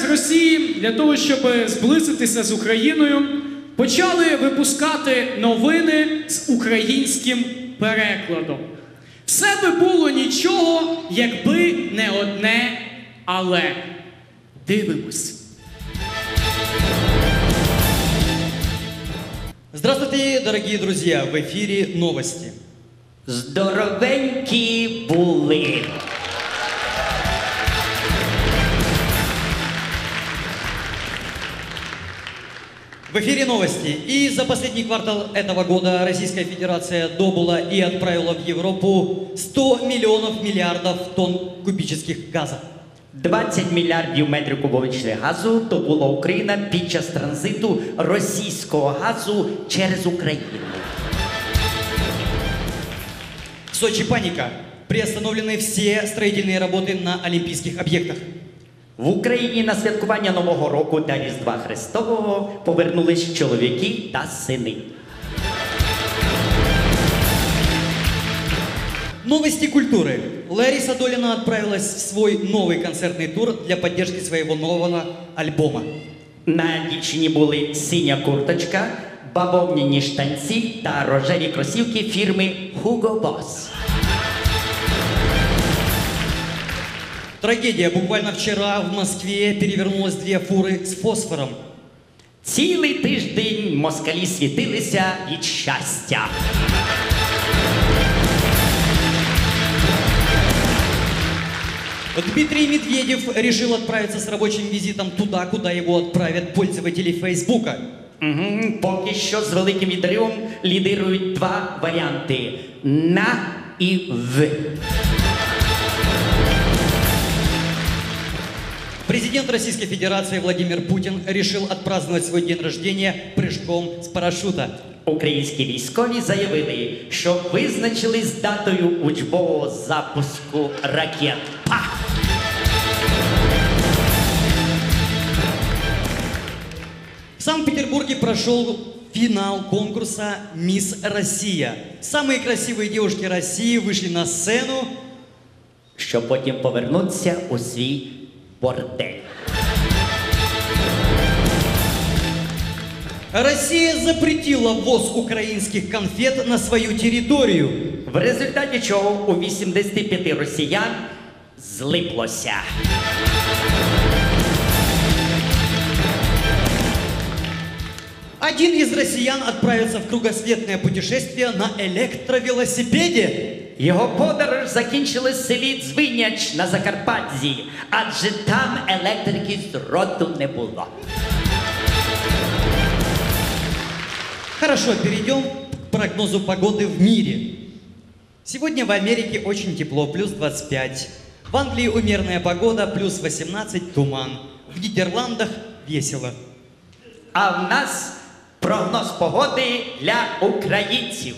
МЗС Росії для того, щоб зблизитися з Україною, почали випускати новини з українським перекладом. Все би було нічого, якби не одне «але». Дивимось. Здравствуйте, дорогие друзья! В эфире новости. Здоровенькі були. В эфире новости. И за последний квартал этого года Российская Федерация добыла и отправила в Европу 100 миллиардов тонн кубических газа. 20 мільярдів метрів кубовичних газу добула Україна під час транзиту російського газу через Україну. В Сочи паника. Приостановлены все строительные работы на олимпийских объектах. В Україні на святкування Нового року та Різдва Христового повернулись чоловіки та сини. Новости культуры. Лариса Долина отправилась в свой новый концертный тур для поддержки своего нового альбома. На дівчині були синя курточка, бавовняні штанці та рожеві кросівки фірми Hugo Boss. Трагедия. Буквально вчера в Москве перевернулось 2 фуры с фосфором. Цілий тиждень москалі світилися від щастя. Дмитрий Медведев решил отправиться с рабочим визитом туда, куда его отправят пользователи Фейсбука. Поки що з великим відривом лідирують 2 варіанти – «на» і «в». Президент Российской Федерации Владимир Путин решил отпраздновать свой день рождения прыжком с парашюта. Українські військові заявили, що визначились з датою учбового запуску ракет. Пах! В Санкт-Петербурге прошел финал конкурса «Мисс Россия». Самые красивые девушки России вышли на сцену, щоб потім повернутися у свій бордель. Россия запретила ввоз украинских конфет на свою территорию. В результаті чого у 85 росіян злиплося. Один из россиян отправится в кругосветное путешествие на электровелосипеде. Його подорож закінчилась в селі Дзвиняч на Закарпатті, адже там електрики з роду не було. Хорошо, перейдем к прогнозу погоды в мире. Сегодня в Америке очень тепло, плюс 25. В Англии умеренная погода, плюс 18, туман. В Нидерландах весело. А в нас прогноз погоди для українців.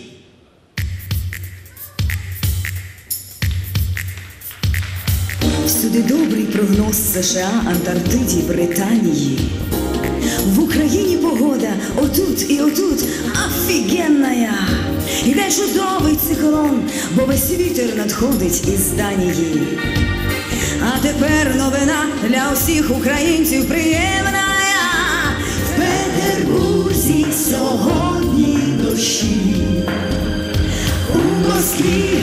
Всюди добрий прогноз США, Антарктиді, Британії. В Україні погода отут і отут офігенная. Іде чудовий циклон, бо весь вітер надходить із Данії. А тепер новина для усіх українців приємна. В Петербурзі сьогодні дощі, у Москві